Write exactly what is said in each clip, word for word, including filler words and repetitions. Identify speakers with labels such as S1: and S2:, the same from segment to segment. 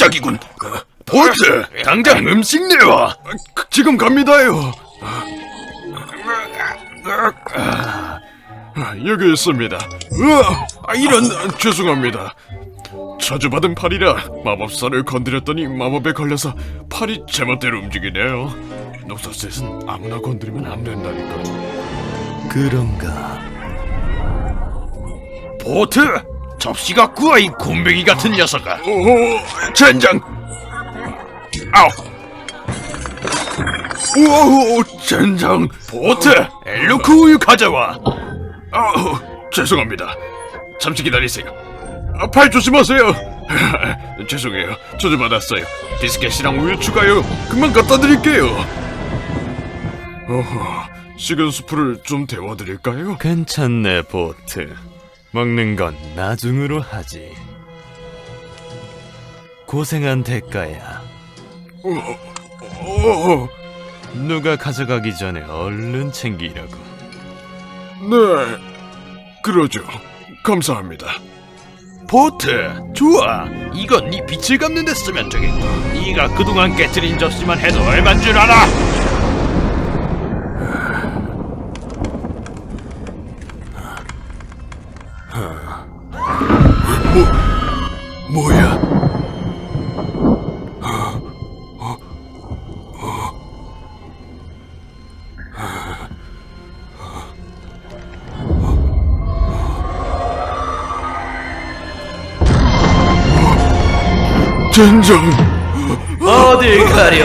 S1: 시작이군. 보트, 당장 음식 내와. 지금 갑니다요. 여기 있습니다. 아, 이런, 죄송합니다. 저주받은 팔이라 마법사를 건드렸더니 마법에 걸려서 팔이 제멋대로 움직이네요. 녹서셋은 아무나 건드리면 안 된다니까.
S2: 그런가?
S1: 보트! 접시가 구워, 이 곰뱅이 같은 녀석아. 오, 젠장! 아우! 우와, 젠장! 보트! 엘루크 우유 가져와! 아우, 죄송합니다. 잠시 기다리세요. 아, 팔 조심하세요. 죄송해요. 저주받았어요. 비스켓이랑 우유 추가요. 금방 갖다 드릴게요. 어허, 식은 수프를 좀 데워드릴까요?
S2: 괜찮네, 보트. 먹는 건 나중으로 하지. 고생한 대가야.
S1: 어, 어,
S2: 누가 가져가기 전에 얼른 챙기려고.
S1: 네, 그러죠. 감사합니다. 보트, 좋아. 이건 네 빛을 갚는 데 쓰면 되겠고. 네가 그동안 깨트린 접시만 해도 얼만 줄 알아? 뭐, 뭐야? 젠장!
S3: 어딜 가려?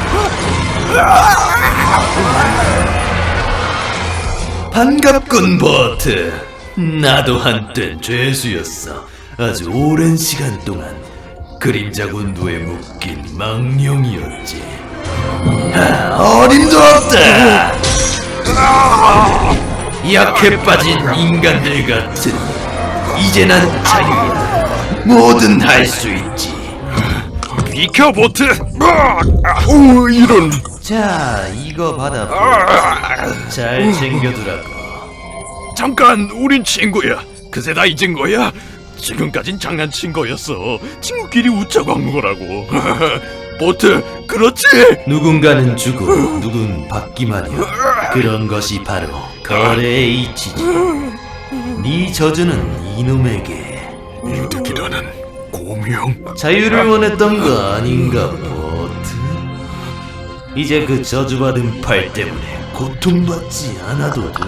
S3: 반갑군, 버트. 나도 한땐 죄수였어. 아주 오랜 시간 동안 그림자 군도에 묶인 망령이었지. 아, 어림도 없다. 약해 빠진 인간들 같은. 이제 난 자유야. 뭐든 할 수 있지.
S1: 비켜, 보트! 오, 이런!
S3: 자, 이거 받아. 버트. 잘 챙겨두라고.
S1: 잠깐, 우린 친구야. 그새 다 잊은 거야? 지금까진 장난친 거였어. 친구끼리 웃자고 한 거라고. 보트, 그렇지?
S3: 누군가는 주고 누군 받기만이야. 그런 것이 바로 거래의 이치지. 네 저주는 이놈에게
S1: 이득이라는 고명.
S3: 자유를 원했던 거 아닌가, 보트? 이제 그 저주받은 팔 때문에 고통받지 않아도 돼.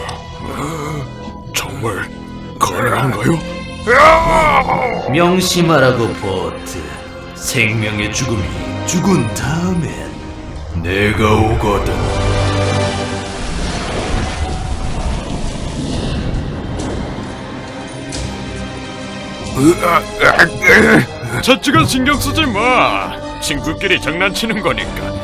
S1: 정말 가능한가요?
S3: 명심하라고, 보트. 생명의 죽음이 죽은 다음엔 내가 오거든.
S1: 저쪽은 신경 쓰지 마. 친구끼리 장난치는 거니까.